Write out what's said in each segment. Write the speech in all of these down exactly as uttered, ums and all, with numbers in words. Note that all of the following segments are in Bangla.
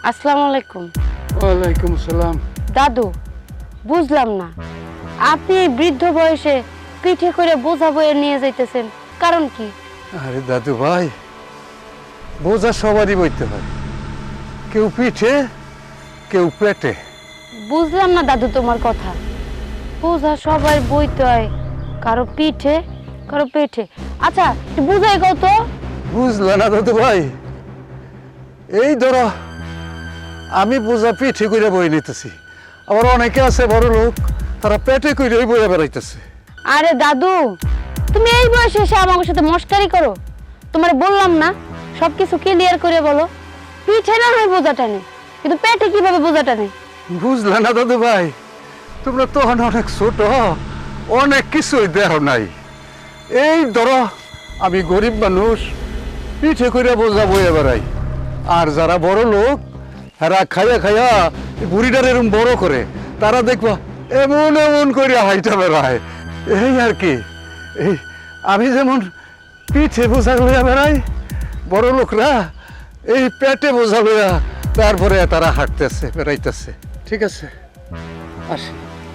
আসসালামু আলাইকুম। ওয়ালাইকুম আসসালাম। দাদু, বুঝলাম না, আপনি এই বৃদ্ধ বয়সে পিঠে করে বোঝা বয়ে নিয়ে যাইতেছেন, কারণ কি? আরে দাদু ভাই, বোঝা সবারই বইতে হয়, কেউ পিঠে কেউ পেটে। বুঝলাম না দাদু তোমার কথা। বোঝা সবাই বইতে হয়, কারো পিঠে কারো পেটে। আচ্ছা একটু বুঝাই কত। বুঝলে না দাদু ভাই, এই ধরো আমি বোঝা পিঠে করে বই নিতেছি, আবার অনেকে আছে বড় লোক, তারা পেটে করে বইয়া বেড়াইতেছে। আরে দাদু, তুমি এই বয়সে এসে আমার সাথে মস্কারি করো? তোমার বললাম না সবকিছু ক্লিয়ার করে বলো। পিঠে না হয় বোঝাটা নেই, কিন্তু পেটে কিভাবে বোঝাটা নেই? বুঝলে না দাদু ভাই, তোমরা তখন অনেক ছোট, অনেক কিছুই দেহ নাই। এই ধরো আমি গরিব মানুষ, পিঠে করে বোঝা বইয়া বেড়াই, আর যারা বড় লোক এরা খাইয়া খাইয়া বুড়িটার এরম বড় করে, তারা দেখবা এমন এমন করে হাইটা বেড়ায়। এই আর কি, এই আমি যেমন পিঠে বোঝা লইয়া বেড়াই, বড় লোকরা এই পেটে বোঝা লইয়া তারপরে তারা হাঁটতেছে বেড়াইতেছে। ঠিক আছে, আসি।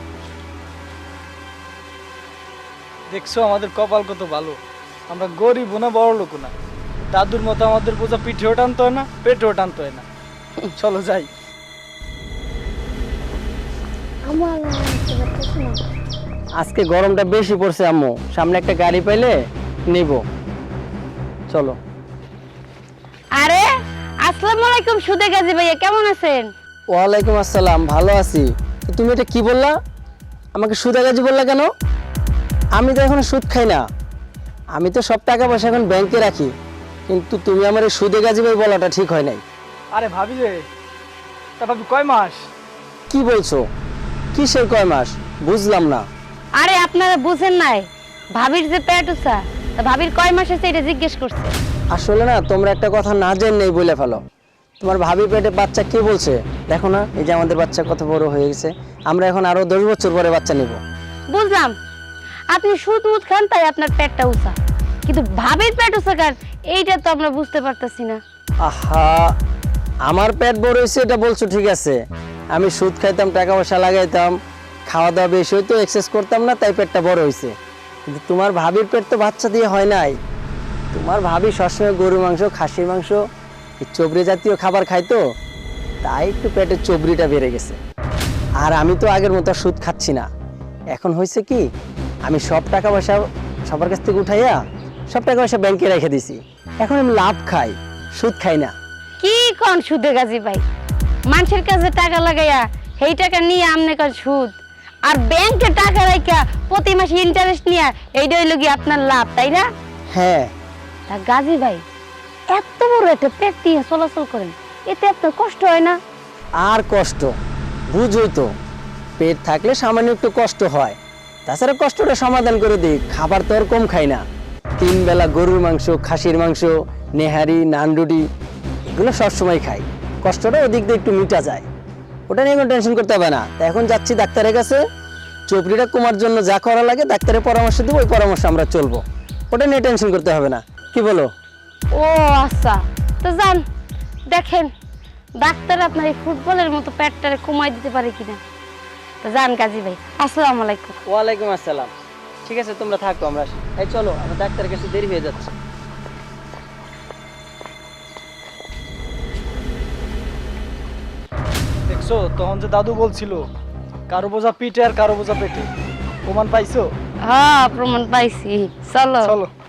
দেখছো আমাদের কপাল কত ভালো, আমরা গরিব না বড় লোক না। দাদুর মতো আমাদের বোঝা পিঠেও টানতে হয় না, পেটেও টানতে হয় না। চলো যাই। আজকে গরমটা বেশি পড়ছে আম্মু, সামনে একটা গাড়ি পাইলে নিব, চলো। আরে আসসালামু আলাইকুম সুদে গাজী ভাইয়া, কেমন আছেন? ওয়ালাইকুম আসসালাম, ভালো আছি। তো তুমি এটা কি বললা? আমাকে সুদাগাজি বললা কেন? আমি তো এখন সুদ খাই না, আমি তো সব টাকা পয়সা এখন ব্যাংকে রাখি, কিন্তু তুমি আমার এই সুদে গাজী ভাই বলাটা ঠিক হয় নাই। আরে ভাবি রে, তা ভাবি কয় মাস? কি বলছো? কিসের কয় মাস? বুঝলাম না। আরে আপনারা বুঝেন নাই, ভাবির যে পেট উঠা, তা ভাবির কয় মাস আছে এটা জিজ্ঞেস করছে। আসলে না, তোমরা একটা কথা না জেনেই বলে ফেলো। তোমার ভাবি পেটে বাচ্চা কে বলছে? দেখো না, এই যে আমাদের বাচ্চা কত বড় হয়ে গেছে, আমরা এখন আরো দশ বছর পরে বাচ্চা নিব। বুঝলাম আপনি সুদ মুদ খান তাই আপনার পেটটা উঁচা, কিন্তু ভাবির পেট উঁচা কার এইটা তো আমরা বুঝতে পারতাছি না। আহা, আমার পেট বড় হয়েছে এটা বলছো ঠিক আছে, আমি সুদ খাইতাম, টাকা পয়সা লাগাইতাম, খাওয়া দাওয়া বেশি হইতো, এক্সারসাইজ করতাম না, তাই পেটটা বড় হয়েছে। কিন্তু তোমার ভাবির পেট তো বাচ্চা দিয়ে হয় নাই। তোমার ভাবি সবসময় গরুর মাংস, খাসির মাংস, এই চবড়ি জাতীয় খাবার খাইতো, তাই একটু পেটের চবড়িটা বেড়ে গেছে। আর আমি তো আগের মতো সুদ খাচ্ছি না। এখন হয়েছে কি, আমি সব টাকা পয়সা সবার কাছ থেকে উঠাইয়া সব টাকা পয়সা ব্যাংকে রেখে দিছি। এখন আমি লাভ খাই, সুদ খাই না। কি কোন সুদে গাজী ভাই, মানুষের কাছে টাকা লাগাইয়া সেই টাকা নিয়ে আমনে কার সুদ, আর ব্যাংকে টাকা রাখা প্রতি মাসে ইন্টারেস্ট নিয়ে এইটা হইল কি আপনার লাভ, তাই না? হ্যাঁ। তা গাজী ভাই, এত বড় একটা পেট নিয়ে চলাচল করেন, এতে আপনার কষ্ট হয় না? আর কষ্ট বুঝোই তো, পেট থাকলে সামান্য একটু কষ্ট হয়, তাছাড়া কষ্টটা সমাধান করে দিই। খাবার তো আর কম খাই না, তিন বেলা গরুর মাংস, খাসির মাংস, নেহারি, নানরুটি, এগুলো সবসময় খাই। কষ্টটা ওদিক দিয়ে একটু মিটা যায়, ওটা নিয়ে কোনো টেনশন করতে হবে না। তা এখন যাচ্ছি ডাক্তারের কাছে, চোপড়িটা কমার জন্য যা করা লাগে ডাক্তারের পরামর্শ দেবো, ওই পরামর্শ আমরা চলবো, ওটা নিয়ে টেনশন করতে হবে না। কি বলো? ও আচ্ছা, তো যান দেখেন ডাক্তার আপনার এই ফুটবলের মতো পেটটারে কমাই দিতে পারে কিনা। তো যান গাজী ভাই, আসসালামু আলাইকুম। ওয়ালাইকুম আসসালাম। ঠিক আছে, তোমরা থাকো, আমরা আসি। এই চলো, আমার ডাক্তারের কাছে দেরি হয়ে যাচ্ছে। দেখছো তখন যে দাদু বলছিল কারো বোঝা পিঠে আর কারো বোঝা পেটে, প্রমাণ পাইছো? হ্যাঁ প্রমাণ পাইছি, চলো চলো।